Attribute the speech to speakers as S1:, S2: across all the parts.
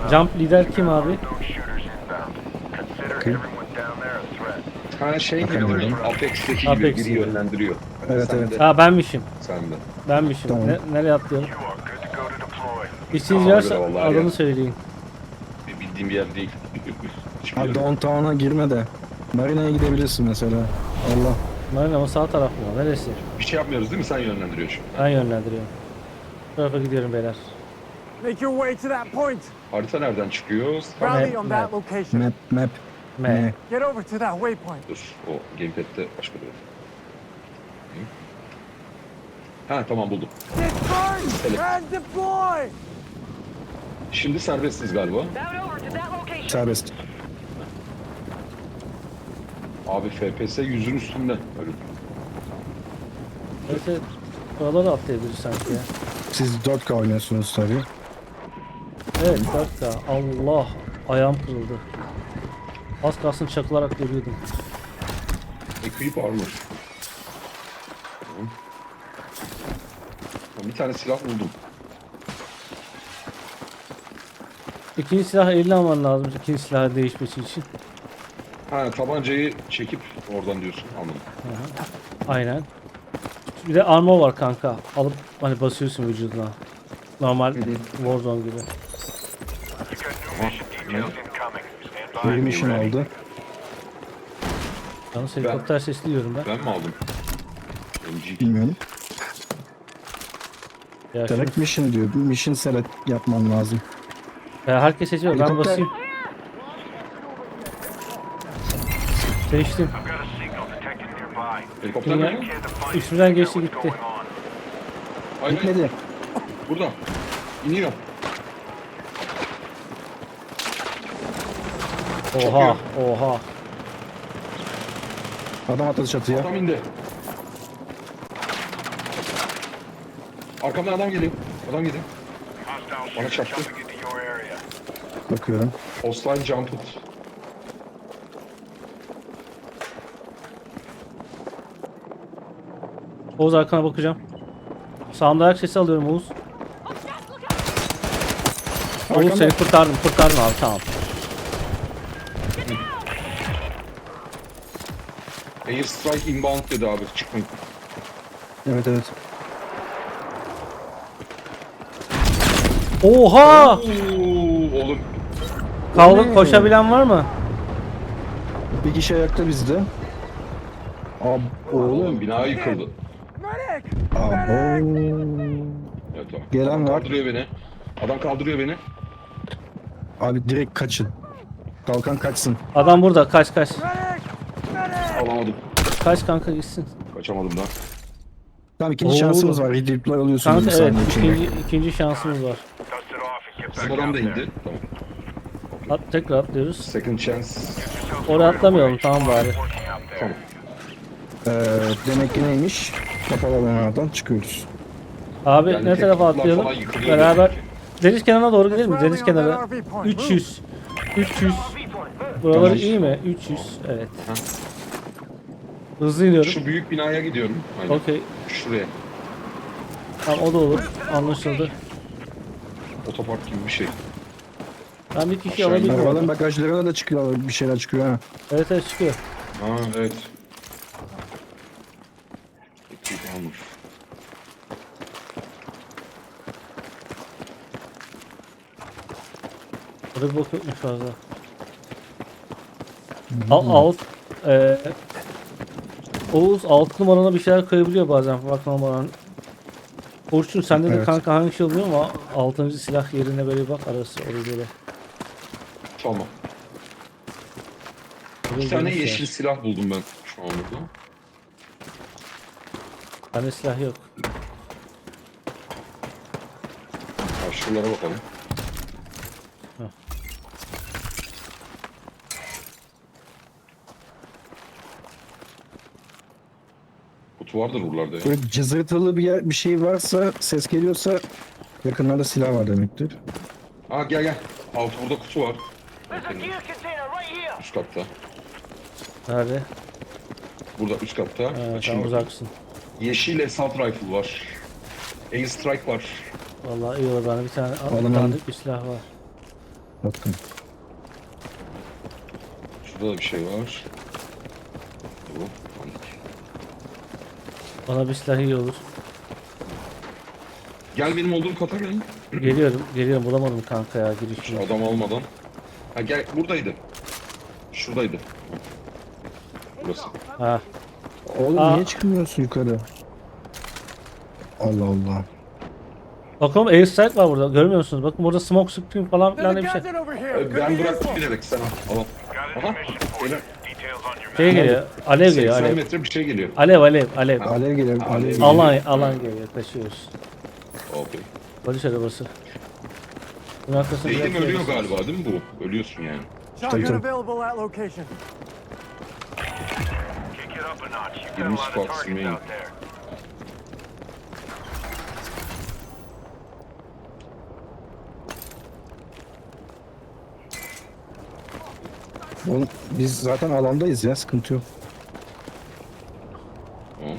S1: Jump lider kim abi?
S2: Ha şey gibi
S3: Bakamıyorum.
S2: düşün. Apex'teki gibi
S1: Apex
S2: biri
S1: gibi.
S2: yönlendiriyor.
S3: Evet,
S2: Sen
S3: evet.
S2: de.
S1: Ha benmişim.
S2: Sen de.
S1: Benmişim.
S3: Tamam.
S1: Nereye atlayalım? İşiniz
S2: Ona
S1: varsa
S2: göre vallahi
S1: adını
S2: ya.
S1: söyleyin.
S2: Bildiğim bir yer değil. Hiçbir
S3: Abi
S2: yer.
S3: downtown'a girme de. Marina'ya gidebilirsin mesela. Allah.
S1: Marina ama sağ taraf mı? Neresi?
S2: Bir şey yapmıyoruz değil mi? Sen yönlendiriyorsun.
S1: Ben yönlendiriyorum. Bu tarafa gidiyorum beyler.
S4: Make your way to that point.
S2: Harita nereden çıkıyor?
S4: Rally on
S1: map.
S4: that location.
S3: Map.
S1: M.
S4: Get over to that waypoint.
S2: Dur. O gamepad'de başka bir yer. Ha tamam buldum.
S4: Disperse
S2: Select.
S4: and deploy.
S2: Şimdi serbestsiz galiba.
S3: Serbest.
S2: Abi FPS 100'ün üstünde. Öyle.
S1: Evet, buraları atlayabiliriz sanki ya.
S3: Siz 4K oynuyorsunuz tabii.
S1: Evet, 4K. Allah. Ayağım kırıldı. Az kalsın çakılarak görüyordum.
S2: Equip armor. Tamam. Bir tane silah buldum.
S1: İkinci silahı eline alman lazım. İkinci silahı değişmesi için.
S2: Ha tabancayı çekip oradan diyorsun. Anladım.
S1: Aynen. Bir de armor var kanka. Alıp hani basıyorsun vücuduna. Normal Warzone gibi.
S3: Bir mission oldu.
S1: Yalnız helikopter sesi duyuyorum ben.
S2: Ben mi aldım? MG.
S3: Bilmiyorum.
S1: Ya,
S3: Select mission diyor. Bir mission select yapman lazım.
S1: ya herkes seçiyor. Ben
S3: Helikopter.
S1: basayım. Seçtim.
S2: Helikopter
S1: Ya,
S2: mi?
S1: üstümden geçti gitti.
S2: Hayır, hayır.
S3: Gitmedi.
S2: Burada. İniyor.
S1: Oha, oha.
S3: Adam atladı çatıya.
S2: Adam indi. Arkamdan adam geliyor. Adam geliyor. Bana çarptı.
S3: Bakıyorum.
S2: Hostile jumped.
S1: Oğuz arkana bakacağım. Sağımda ayak sesi alıyorum Oğuz. Oğuz
S3: Arkanda.
S1: seni kurtardım abi tamam.
S2: Airstrike inbound dedi abi. Çıkmayın.
S3: Evet, evet.
S1: Oha!
S2: Oo, oğlum.
S1: Kaldı koşabilen var mı?
S3: Bir kişi ayakta bizde. Ab
S2: Oğlum
S3: oğlum.
S2: bina yıkıldı.
S4: Medic!
S3: Abo.
S2: Evet tamam.
S3: Gelen
S2: Adam
S3: var.
S2: kaldırıyor beni. Adam kaldırıyor beni.
S3: Abi direkt kaçın. Kalkan kaçsın.
S1: Adam burada kaç.
S4: Medic! Medic!
S2: Alamadım.
S1: Kaç kanka gitsin.
S2: Kaçamadım da.
S3: Tamam, ikinci
S1: Oo.
S3: şansımız var. Redeploy alıyorsunuz
S1: Kanka
S3: bir
S1: evet
S3: saniye içinde.
S1: ikinci şansımız var.
S2: Bizim adam da indi. Tamam.
S1: Tekrar atlıyoruz.
S2: Second chance.
S1: Oraya atlamayalım tamam bari.
S2: Tamam.
S3: Demek ki neymiş? Kapalı alanlardan çıkıyoruz.
S1: Abi
S2: Yani
S1: ne tarafa
S2: teknikler
S1: atlayalım?
S2: falan yıkılıyor
S1: Beraber
S2: demek ki.
S1: deniz kenarına doğru gidelim mi?
S4: Rally
S1: Deniz
S4: on
S1: kenarı.
S4: that RV point.
S1: 300. 300. Buraları
S3: Tamam.
S1: iyi mi? 300. Evet.
S2: Aha.
S1: Hızlı iniyorum.
S2: Şu büyük binaya gidiyorum. Aynen.
S1: Okey.
S2: Şuraya.
S1: Tamam o da olur. Anlaşıldı.
S2: Otopark gibi bir şey.
S1: Ben bir kişi
S2: Aşağı
S1: alabilirim.
S3: Arabaların
S1: orada.
S3: bagajlarına da çıkıyor, bir şeyler çıkıyor ha.
S1: Evet evet çıkıyor.
S2: Ha evet. Equip armor.
S1: Burada bir bok yokmuş fazla. Alt Oğuz 6 numarana bir şeyler koyabiliyor bazen bak numaranın. Orçun sende de
S3: Evet.
S1: kanka hangi şey oluyor ama 6. silah yerine böyle bak arası oraya böyle.
S2: Tamam.
S1: Oraya
S2: Bir tane
S1: geniş
S2: yeşil
S1: yer.
S2: silah buldum ben şu an burada.
S1: Bende silah yok.
S2: Karşılara bakalım.
S1: Heh.
S2: Kutu vardır buralarda ya.
S3: Böyle cızırtılı bir şey varsa, ses geliyorsa yakınlarda silah var demektir.
S2: Aa gel. Altı burada kutu var. Üst katta.
S1: Nerede?
S2: Burada üst katta.
S1: Sen
S2: Açayım bakayım.
S1: uzaksın.
S2: Yeşil assault rifle var. Airstrike var.
S1: Vallahi iyi olur bana bir tane
S3: Alın, alın.
S1: tanıdık bir silah var.
S3: kapattım.
S2: Şurada da bir şey var. Bu.
S1: Bana bir silah iyi olur.
S2: Gel benim olduğum kata gel.
S1: Geliyorum bulamadım kanka ya
S2: Şu
S1: girişini.
S2: adam almadan. Ha gel buradaydı. Şuradaydı. Burası.
S1: Ha.
S3: Oğlum
S1: Aa.
S3: niye çıkmıyorsun yukarı? Allah Allah.
S1: Bakın airstrike var burada görmüyor musunuz? Bakın burada smoke screen falan
S4: There's
S1: filan
S4: a
S1: diye bir şey.
S4: gadget over here. Could
S2: Ben
S4: be
S2: bıraktım
S4: useful.
S2: bilerek sen al. Al. Aha. Beyler,
S1: Şey geliyor. Alev geliyor
S2: 80
S1: alev.
S2: metre bir şey geliyor.
S1: Alev.
S3: Alev geliyor. Alev geliyor.
S1: Alan geliyor yaklaşıyoruz.
S2: Okey.
S1: Polis arabası. Bunun arkasında
S2: Değdim
S1: biraz
S2: ölüyor
S1: görüyorsunuz.
S2: galiba değil mi bu? Ölüyorsun yani.
S4: Shotgun
S3: tabii.
S4: available at location.
S5: Kick it up a notch. You've got a
S2: 20
S5: lot of
S2: spots
S5: targets
S2: remaining.
S5: out there.
S3: Oğlum biz zaten alandayız ya, sıkıntı yok.
S2: Tamam.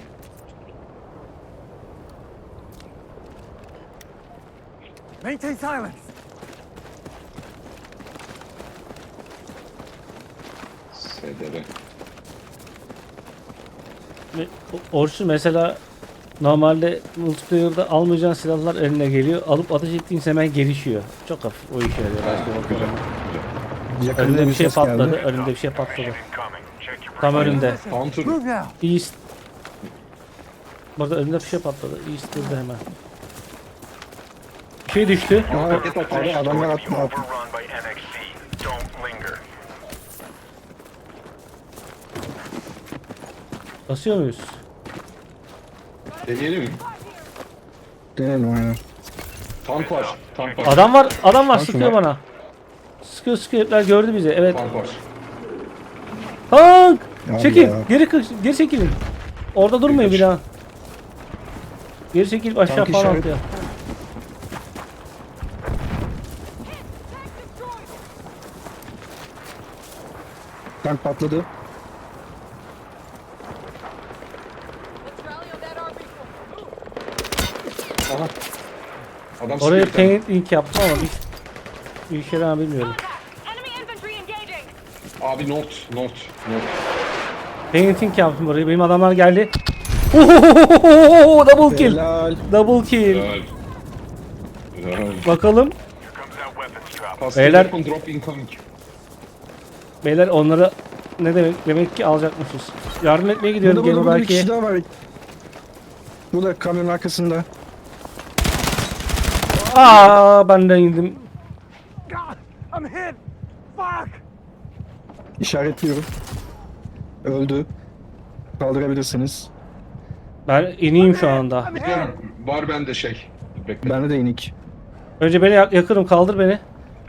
S4: Maintain silence.
S2: SDR.
S1: Orçun mesela normalde multiplayer'da almayacağın silahlar eline geliyor. Alıp ateş ettiğin hemen gelişiyor. Çok hafif o işe yarıyor.
S2: Ha,
S1: Başka
S2: güzel.
S1: bakıyorum.
S3: Yakında
S1: Önümde bir şey
S3: ses
S1: patladı.
S3: geldi.
S1: Önümde bir şey patladı.
S5: Incoming. Check your
S1: Tam önümde.
S2: Hunter.
S4: Move now.
S1: East. Burada önümde bir şey patladı. East burada hemen. Bir şey düştü.
S2: Aa, roket atmış.
S3: Adamlar
S5: Going to be
S3: atma.
S5: overrun by NXC. Don't linger.
S1: Basıyor muyuz?
S2: Deneyelim mi?
S3: Denelim aynen.
S2: Tank var. Tank var.
S1: Adam var
S3: Tank
S1: sıkıyor
S3: var.
S1: bana. Sıkıyor herifler gördü bizi. Evet.
S2: Tank var.
S1: Tank!
S3: Ya
S1: Çekil.
S3: ya.
S1: Geri çekilin. Orada durmayın bir daha. Geri çekilip aşağı
S3: Tank
S1: falan
S3: işaret-
S1: atlıyor.
S3: Tank patladı.
S6: Let's rally on that RV.
S2: Aha. Adam
S1: Oraya
S2: sıkıyor bir tane.
S1: paint link yaptım ama bir işe yarar bilmiyorum.
S6: Enemy infantry engaging.
S2: Abi not.
S1: Painting yaptım orayı. Benim adamlar geldi. Ohohohoho! Double kill.
S3: Helal.
S1: Double kill.
S2: Güzel. Güzel.
S1: Bakalım.
S5: Here comes that weapons drop.
S2: Custom
S1: Beyler-
S2: weapon drop incoming.
S1: Beyler onlara ne demek ki alacakmışız. Yardım etmeye gidiyorum
S3: Burada,
S1: gene
S3: burada bir
S1: belki.
S3: kişi daha var. Burada kamyonun arkasında.
S1: Ben de indim.
S4: God, I'm hit. Fuck.
S3: İşaretliyorum. Öldü. Kaldırabilirsiniz.
S1: Ben ineyim şu anda.
S4: I'm hit.
S2: Var bende şey. Bekle.
S3: Bende de inik.
S1: Önce beni yakırım kaldır beni.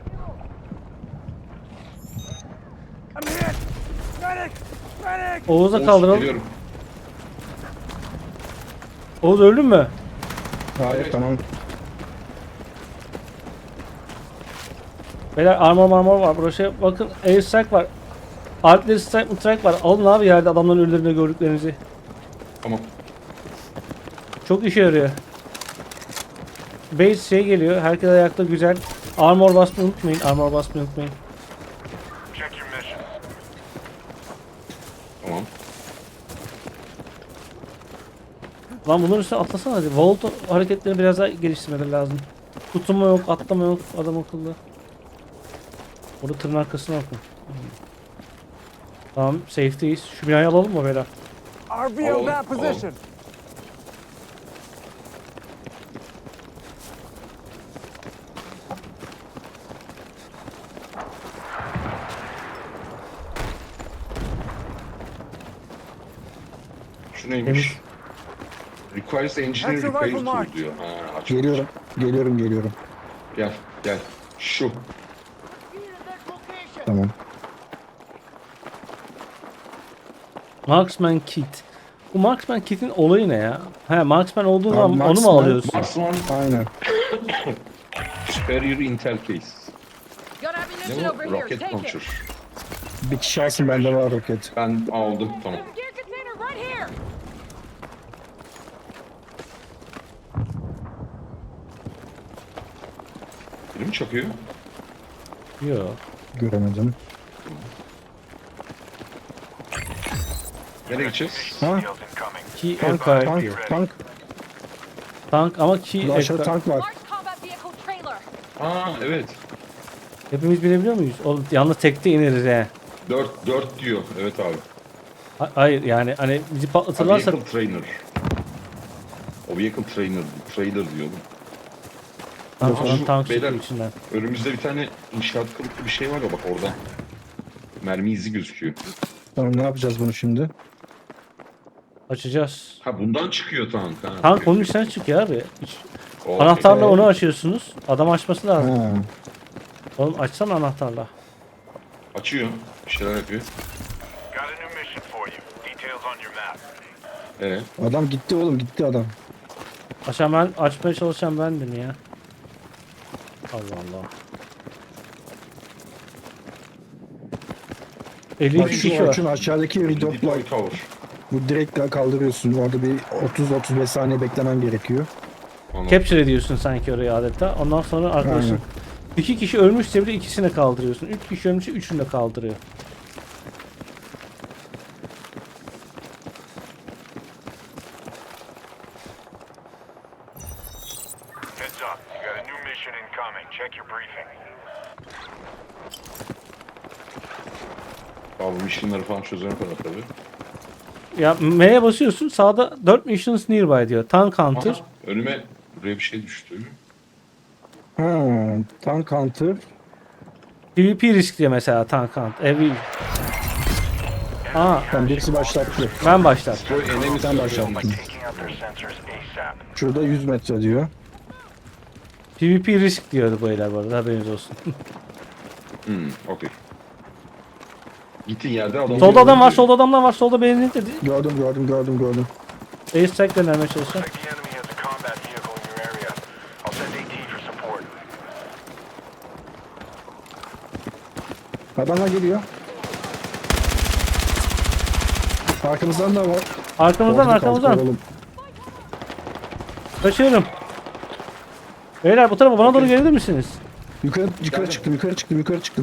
S4: I'm hit. Medic. Medic.
S1: Oğuz'u
S2: Oğuz,
S1: kaldıralım.
S2: geliyorum.
S1: Oğuz öldün mü?
S3: Hayır
S2: Evet.
S3: tamam.
S1: Beyler armor var. Burası bakın airstrike var. Artillery strike var. Alın abi yerde adamların ölülerini gördüklerinizi.
S2: Tamam.
S1: Çok işe yarıyor. Base şey geliyor. Herkes ayakta güzel. Armor basmayı unutmayın.
S5: Check your mission.
S2: Tamam.
S1: Lan bunların üstüne atlasana hadi. Vault hareketlerini biraz daha geliştirmeleri lazım. Tutunma yok, atlama yok adam akıllı. Orada tırın arkasına bakın. Tamam, safe'deyiz. Şu binayı alalım mı beyler?
S4: RV
S2: Alalım,
S4: on that
S2: alalım.
S4: position.
S2: Şu neymiş? Requires engineer
S4: Extra
S2: repair
S4: rifle
S2: tool
S4: mark.
S2: diyor. Ha, aç.
S3: Geliyorum.
S2: Gel. Şu.
S3: Tamam.
S1: Marksman kit. Bu Marksman kit'in olayı ne ya? He, Marksman olduğu
S3: Abi,
S1: zaman onu mu
S3: Marksman-
S1: alıyorsun?
S2: Marksman
S3: Aynen.
S2: Superior Intel Case.
S6: Got ammunition
S2: Ne
S6: over
S2: bu?
S6: here.
S2: Rocket
S6: Take
S2: launcher.
S6: it.
S3: Bir kişi alsın, bende var roket.
S2: Ben aldım. Tamam.
S6: There's a gear container right here.
S2: Biri mi çakıyor?
S1: Yok.
S3: Göremedim.
S2: Nereye gideceğiz?
S3: Ha?
S5: Deals incoming.
S1: Key
S3: Tank,
S1: aircraft.
S3: tank.
S1: Tank ama key
S3: Burada aşağıda
S1: aircraft.
S3: tank var.
S6: Large combat vehicle trailer.
S2: Aa evet.
S1: Hepimiz binebiliyor muyuz? Oğlum yalnız tekte ineriz he.
S2: 4 diyor. Evet abi.
S1: Hayır yani hani bizi
S2: Ha,
S1: patlatırlarsa
S2: vehicle trainer. O vehicle trailer diyor oğlum.
S1: tank
S2: Aha,
S1: olan
S2: şu
S1: tank çıkıyor
S2: beyler-
S1: içinden.
S2: Önümüzde bir tane inşaat kılıklı bir şey var ya bak orada. Mermi izi gözüküyor.
S3: Tamam ne yapacağız bunu şimdi?
S1: Açacağız.
S2: Ha bundan çıkıyor tank. Ha,
S1: Tank onun içinden çıkıyor abi.
S2: Okey.
S1: Anahtarla onu açıyorsunuz. Adam açması lazım.
S3: Ha.
S1: Oğlum açsana anahtarla.
S2: Açıyor. Bir şeyler yapıyor.
S5: Got a new mission for you. Details on your map.
S2: Evet.
S3: Adam gitti oğlum gitti adam.
S1: Açmaya çalışan bendim ya. Allah Allah. 52
S3: Bak şu
S1: kişi var.
S3: Orçun aşağıdaki redopla
S2: Deploy tower.
S3: bu direkt kaldırıyorsun. Orada bir 30-35 saniye beklemen gerekiyor.
S2: Anladım.
S1: Capture ediyorsun sanki orayı adeta. Ondan sonra arkadaşın
S3: Aynen.
S1: 2 kişi ölmüşse bile ikisini kaldırıyorsun. 3 kişi ölmüşse üçünü de kaldırıyor.
S5: Heads up. You got a new mission incoming. Check your briefing.
S2: Abi missionları falan çözene kadar tabii.
S1: Ya M'ye basıyorsun sağda 4 missions nearby diyor. Tank Hunter.
S2: Aha, önüme buraya bir şey düştü.
S3: Ha, tank hunter.
S1: PvP risk diyor mesela Tank Hunter.
S3: Tam birisi başlattı.
S1: Ben başlattım.
S2: Destroy enemy
S3: Sen başlattın.
S5: Taking out their sensors ASAP.
S3: Şurada 100 metre diyor.
S1: PvP risk diyordu bu beyler bu arada haberiniz olsun.
S2: Okey. Gittiğin yerde adam...
S1: Solda adam var, solda adamlar var, solda beğenildi dedi.
S3: Gördüm.
S1: Ace strike göndermeye çalışacağım.
S5: Like the enemy has a combat vehicle in your area. I'll send AT for support.
S3: Adamlar geliyor. Arkamızdan da var.
S1: Arkamızdan
S3: Orada kaldık
S1: arkamızdan.
S3: oğlum.
S1: Kaçıyorum. Beyler bu tarafa bana doğru gelir misiniz?
S3: Yukarı çıktım.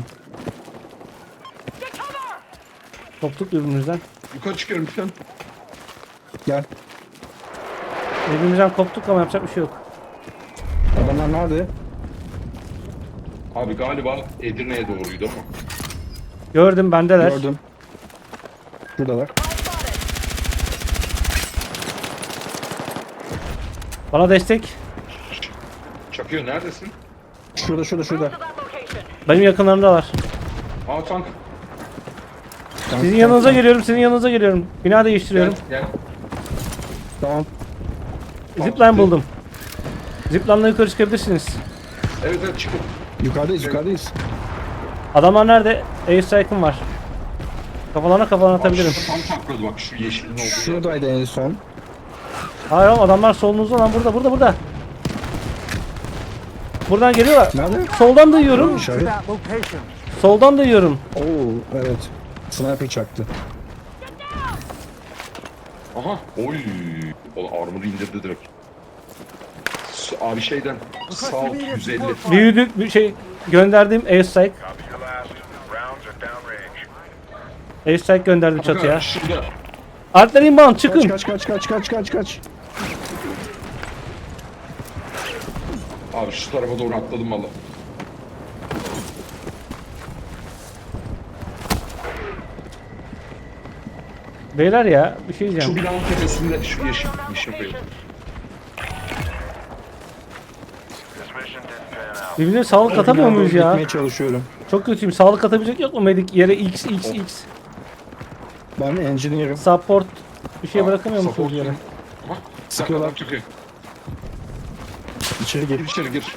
S1: Koptuk birbirimizden.
S2: Yukarı çıkıyorum lütfen.
S3: Gel.
S1: Birbirimizden koptuk ama yapacak bir şey yok.
S3: Adamlar nerede?
S2: Abi galiba Edirne'ye doğruydu ama.
S1: Gördüm bendeler.
S3: Gördüm. Şuradalar.
S1: Bana destek.
S2: Çakıyor neredesin?
S3: Şurada.
S6: To that location.
S1: Benim yakınlarımdalar.
S2: Aa tank.
S1: Sizin yanınıza geliyorum. Bina
S2: Gel
S1: değiştiriyorum.
S2: gel.
S3: Tamam.
S1: Zipline buldum. Zipline'la yukarı çıkabilirsiniz.
S2: Evet çıkın.
S3: Yukarıdayız.
S1: Adamlar nerede? Ace strike'ım var. Kafalarına atabilirim.
S2: Bak, şu tam takladı bak şu yeşilin olduğu yer.
S3: Şuradaydı en son.
S1: Hayır oğlum adamlar solunuzda lan burada. Buradan geliyorlar.
S3: Nerede?
S1: Soldan da yiyorum.
S3: İşaret.
S4: That location.
S1: Soldan da yiyorum.
S3: Oo evet. Sniper çaktı.
S2: Aha. Oy. O armor'ı indirdi direkt. Abi şeyden sağ alt 150.
S1: Büyüdük bir şey gönderdiğim air strike.
S5: Copy your last. Rounds are downrange.
S1: Air strike gönderdim çatıya.
S2: Şurada.
S1: Artlar inbound çıkın.
S3: Kaç.
S2: Abi şu tarafa doğru atladım valla.
S1: Beyler ya bir şey
S2: Şu
S1: diyeceğim.
S2: binanın tepesinde şu yeşil koyalım.
S5: This mission didn't pan out.
S1: Birbirine sağlık atamıyor muyuz ya?
S3: Gitmeye çalışıyorum.
S1: Çok kötüyüm. Sağlık atabilecek yok mu medik yere X.
S3: Ben engineer'ım.
S1: Support bir şey bırakamıyor
S2: Support
S1: musunuz yere?
S2: Aha.
S3: Sıkıyorlar.
S2: Adam çıkıyor.
S3: İçeri
S2: Gir
S3: gir.
S2: içeri gir.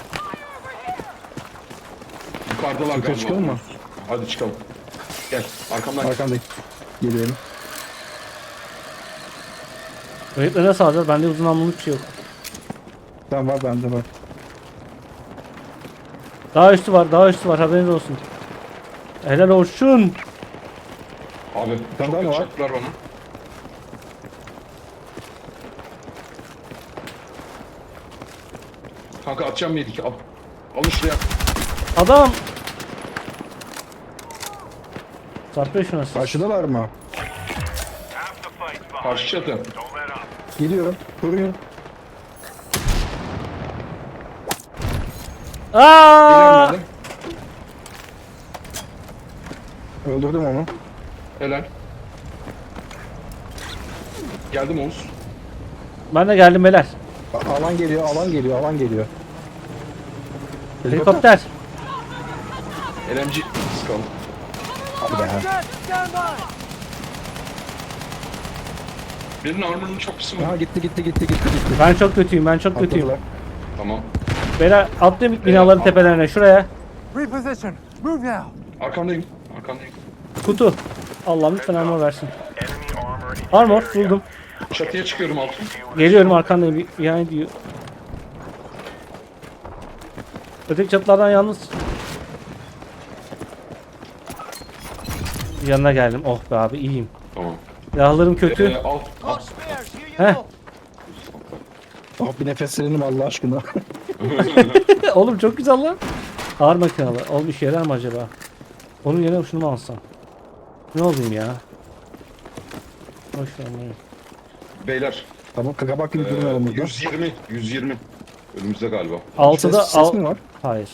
S2: Yukarıdalar
S3: Yukarı
S2: galiba.
S3: çıkalım mı?
S2: Hadi çıkalım. Gel arkamdan gel.
S3: Arkandayım. Geliyorum.
S1: Öğretleri nasıl alacağız? Bende uzun namluluk bir şey yok.
S3: Tamam var bende var.
S1: Daha üstü var haberiniz olsun. Helal olsun.
S2: Abi
S3: Sen
S2: çok
S3: daha mı
S2: kötü
S3: var?
S2: çaktılar bana. Kanka atacağım yedik al. Al şuraya.
S1: Adam Çarpıyor şuna.
S3: Karşıdalar mı?
S5: Half the fight's behind
S2: Karşı
S5: you.
S2: çatı.
S5: Don't let up.
S3: Geliyorum. Koruyorum.
S1: Aa!
S2: Geliyorum
S3: Öldürdüm onu.
S2: ben de. Helal. Geldim Oğuz.
S1: Ben de geldim beyler.
S3: Alan geliyor, alan geliyor, alan geliyor.
S1: Helikopter.
S2: LMG sıkalım.
S3: Hadi be.
S4: Jet, stand by!
S2: Birinin armor'ının çok kısa
S3: Ha
S2: mı?
S3: gitti.
S1: Ben çok kötüyüm. Ben çok kötüyüm.
S3: Atladılar.
S2: Tamam.
S1: Beyler atlayın binaların tepelerine. Şuraya.
S4: Reposition. Move now.
S2: Arkandayım. Arkandayım.
S1: Kutu. Allah'ım lütfen armor versin.
S5: Enemy armor in
S1: Armor
S5: your area.
S1: buldum.
S2: Çatıya çıkıyorum altın.
S1: Geliyorum arkandayım. Yani diyor. Öteki çatılardan yalnız. Yanına geldim. Oh be abi iyiyim.
S2: Tamam.
S1: Silahlarım kötü.
S2: Alt.
S1: Heh.
S3: Ah bir nefeslenim Allah aşkına.
S1: Oğlum çok güzel lan. Ağır makinalı. Oğlum işe yarar mı acaba? Onun yerine şunu mu alsam? Ne olayım ya? Boş ver bunu.
S2: Beyler.
S3: Tamam kabak gibi durmayalım burada.
S2: 120. Önümüzde galiba.
S1: Altıda
S3: Ses mi var?
S1: Hayır.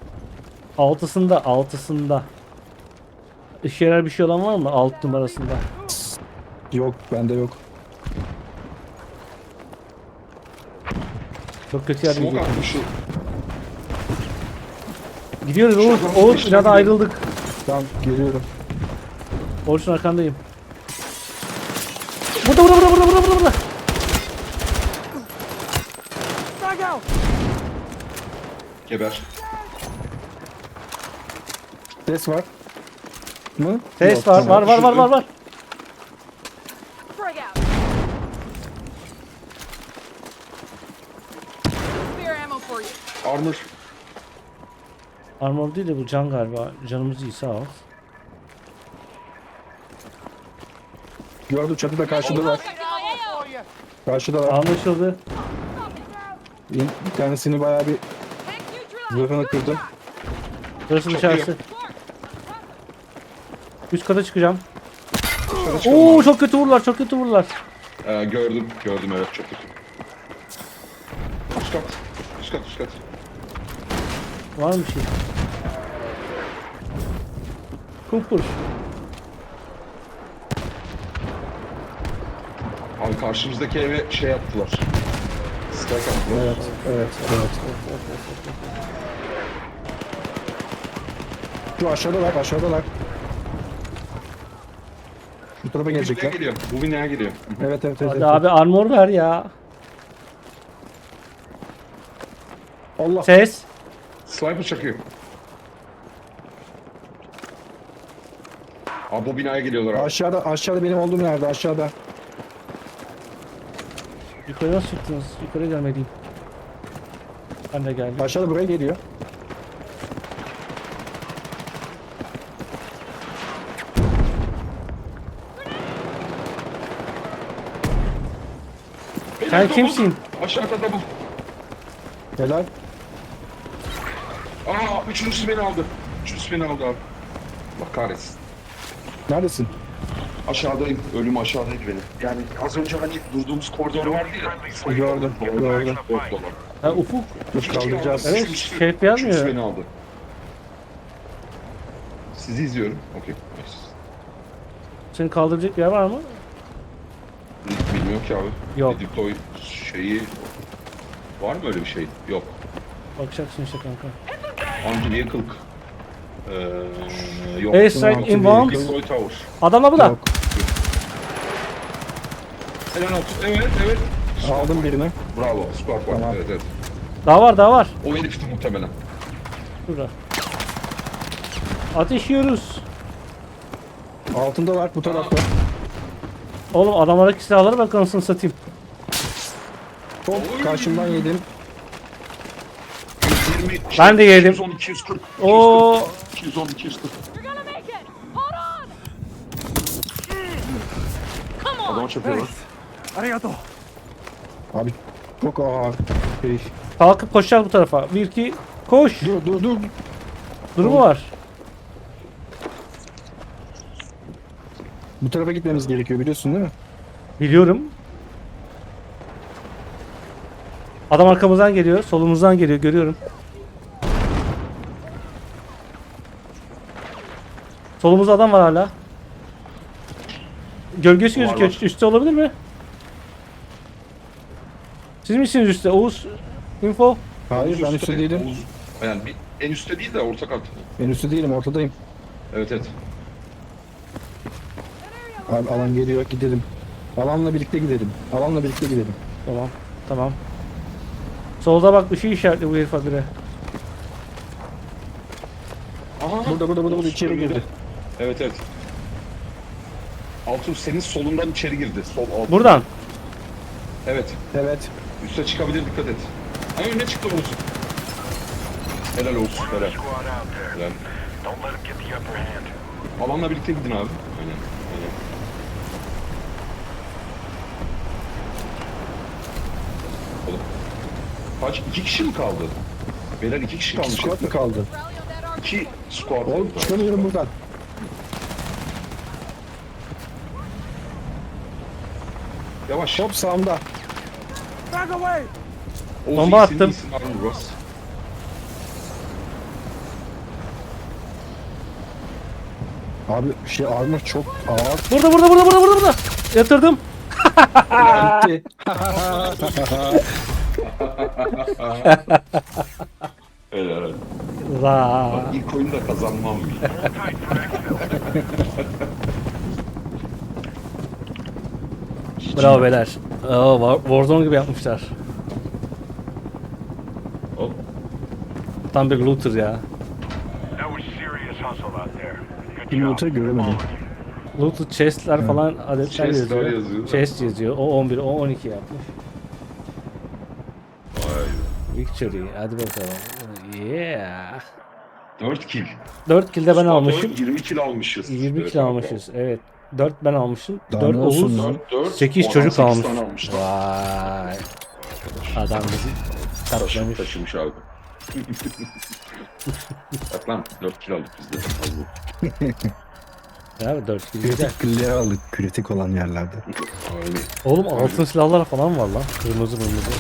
S1: Altısında. İşe yarar bir şey olan var mı? Alt numarasında.
S3: Yok bende yok.
S1: Çok kötü yerde
S2: Smoke
S1: gidiyor.
S2: attım şu.
S1: Gidiyoruz Oğuz.
S2: Şuradan
S1: Oğuz
S2: geçtim,
S1: binadan
S2: gidiyorum.
S1: ayrıldık.
S3: Tamam geliyorum.
S1: Oğuz'un arkandayım. Burada.
S4: Frag out!
S2: Geber.
S3: Ses var. Mı?
S1: Ses
S3: Yok,
S1: var.
S3: tamam.
S1: Var.
S6: Frag out. Spare ammo for you.
S2: Armor.
S1: Armor değil de bu can galiba. Canımız iyi sağ ol.
S3: Gördüm çatıda karşıdalar.
S6: Checking my AO.
S3: Karşıdalar.
S1: Anlaşıldı.
S3: Bir tanesini bayağı bir
S6: Tank neutralized.
S3: zırhını kırdım.
S1: Burası dışarısı. Üst kata çıkacağım.
S2: Dışarı çıkalım
S1: Oo
S2: abi.
S1: çok kötü vururlar.
S2: Gördüm evet çok kötü. Üst kat.
S1: Var mı bir şey? Kupur.
S2: Abi karşımızdaki eve şey attılar. Strike attılar.
S3: Evet. Şu aşağıdalar. Şu tarafa
S2: Bu binaya
S3: gelecekler.
S2: geliyor. Bu binaya geliyor.
S3: Evet.
S1: Hadi abi armor ver ya.
S3: Allah.
S1: Ses.
S2: Sniper çakıyor. Abi bu binaya geliyorlar abi.
S3: Aşağıda benim olduğum yerde aşağıda.
S1: Yukarı nasıl çıktınız? Yukarı gelmeliyim. Ben de geldim.
S3: Aşağıda buraya geliyor.
S1: Sen
S2: Double.
S1: kimsin?
S2: Aşağıda double.
S3: Helal.
S2: Üçüncüsü beni aldı abi. Bak kahretsin.
S3: Neredesin?
S2: Aşağıdayım. Ölüm aşağıdaydı benim. Yani az önce hani durduğumuz koridor vardı ya.
S3: Gördüm.
S1: Ha, Ufuk.
S3: Dur kaldıracağız.
S1: Evet, şerif yazmıyor.
S2: Üçüncüsü beni aldı. Sizi izliyorum. Okey.
S1: Seni kaldıracak bir yer var mı?
S2: Bilmiyorum ki abi.
S1: Yok.
S2: Deploy şeyi var mı öyle bir şey? Yok.
S1: Bakacaksın işte kanka.
S2: Anti-vehicle yok.
S1: Airstrike inbound.
S2: Deploy tower.
S1: Adamla bu da.
S3: Yok.
S2: Helal olsun. Evet.
S3: Aldım birini.
S2: Bravo. Squad var.
S3: Tamam.
S2: Evet.
S1: Daha var.
S2: O herifti muhtemelen.
S1: Şurada. Ateş yiyoruz.
S3: Altındalar bu tarafta.
S1: Oğlum adamlardaki silahlara bak anasını satayım.
S3: Hop karşımdan yedim.
S2: 120.
S1: Ben de yedim.
S2: 210, 240.
S1: Oo.
S2: 210, 240.
S6: You're gonna make it. Hold on. Come on.
S2: Adama çakıyorlar.
S4: Arigato.
S3: Abi çok ağır. Şey.
S1: Kalkıp koşacağız bu tarafa. 1 2 koş.
S3: Dur.
S1: Durumu var.
S3: Bu tarafa gitmemiz gerekiyor biliyorsun değil mi?
S1: Biliyorum. Adam arkamızdan geliyor, solumuzdan geliyor, görüyorum. Solumuzda adam var hala. Gölgesi
S2: Var,
S1: gözüküyor.
S2: var.
S1: Üstte olabilir mi? Siz misiniz üstte? Oğuz, info.
S3: Hayır ben üstte değilim.
S2: Yani en üstte değil de orta kat.
S3: Ben üstte değilim ortadayım.
S2: Evet evet.
S3: Abi alan geliyor gidelim. Alanla birlikte gidelim. Alanla birlikte gidelim.
S1: Tamam, tamam. Solda bak bir şey işaretli bu herif habire.
S2: Aha.
S3: Burada içeri girdi.
S2: Evet evet. Altun senin solundan içeri girdi. Sol alt.
S1: Buradan.
S2: Evet.
S3: Evet.
S2: Üste çıkabilir, dikkat et. Ha önüne çıktı Oğuz. Helal olsun, helal.
S5: Squad out there.
S2: Helal.
S5: Don't let them get the upper hand.
S2: Alanla birlikte gidin abi. Aynen. Aynen. Oğlum. Kaç? 2 kişi mi kaldı? Beyler 2 kişi kalmış.
S3: Squad mı kaldı?
S6: Rally on that arc.
S2: 2 squad.
S3: Oğlum çıkamıyorum buradan.
S2: Yavaş.
S3: Hop sağımda.
S4: Back away!
S2: Oğuz,
S1: Bomba
S2: iyisin,
S1: attım.
S2: iyisin, Harun Ross.
S3: Abi şey armor çok ağır.
S1: Burada. Yatırdım.
S3: Gitti.
S2: Helal.
S1: Za.
S2: Bak ilk oyunda kazanmam bile.
S1: Bravo beyler. Warzone gibi yapmışlar.
S2: Hop.
S1: Tam bir looter ya.
S5: That was serious hustle out there. Good
S3: Bir
S5: job.
S3: notu göremedim.
S1: Looter chest'ler falan adetler
S2: Chest'ler
S1: yazıyor.
S2: yazıyor.
S1: Chest yazıyor. O 11, o 12 yapmış.
S2: Vay.
S1: Victory. Hadi bakalım. Yeah.
S2: 4 kill.
S1: 4 kill de ben
S2: Squad
S1: almışım.
S2: olarak 20 kill almışız.
S1: 20
S2: Evet,
S1: kill
S2: abi.
S1: almışız. Evet. 4 ben almışım.
S3: Daha
S1: 4
S3: ne olsun
S1: Oğuz.
S3: lan?
S2: 4,
S1: 8 çocuk almış.
S2: tane almışlar.
S1: Vay. Adam bizi katlamış.
S2: Taşımış abi. Bak lan 4 kill aldık biz de. Az bu.
S1: Ya 4 kill güzel.
S3: Kritik killleri aldık kritik olan yerlerde.
S2: Aynen.
S1: Oğlum altın silahlar falan var lan. Kırmızı.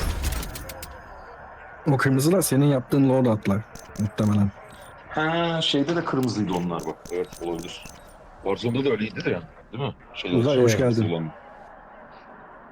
S3: O kırmızılar senin yaptığın loadout'lar muhtemelen.
S2: Ha şeyde de kırmızıydı onlar bak. Evet olabilir. Warzone'da da öyleydi de ya. Değil mi? Şeyler,
S3: Uzay, hoş
S2: kırmızı
S3: geldin.
S2: olan.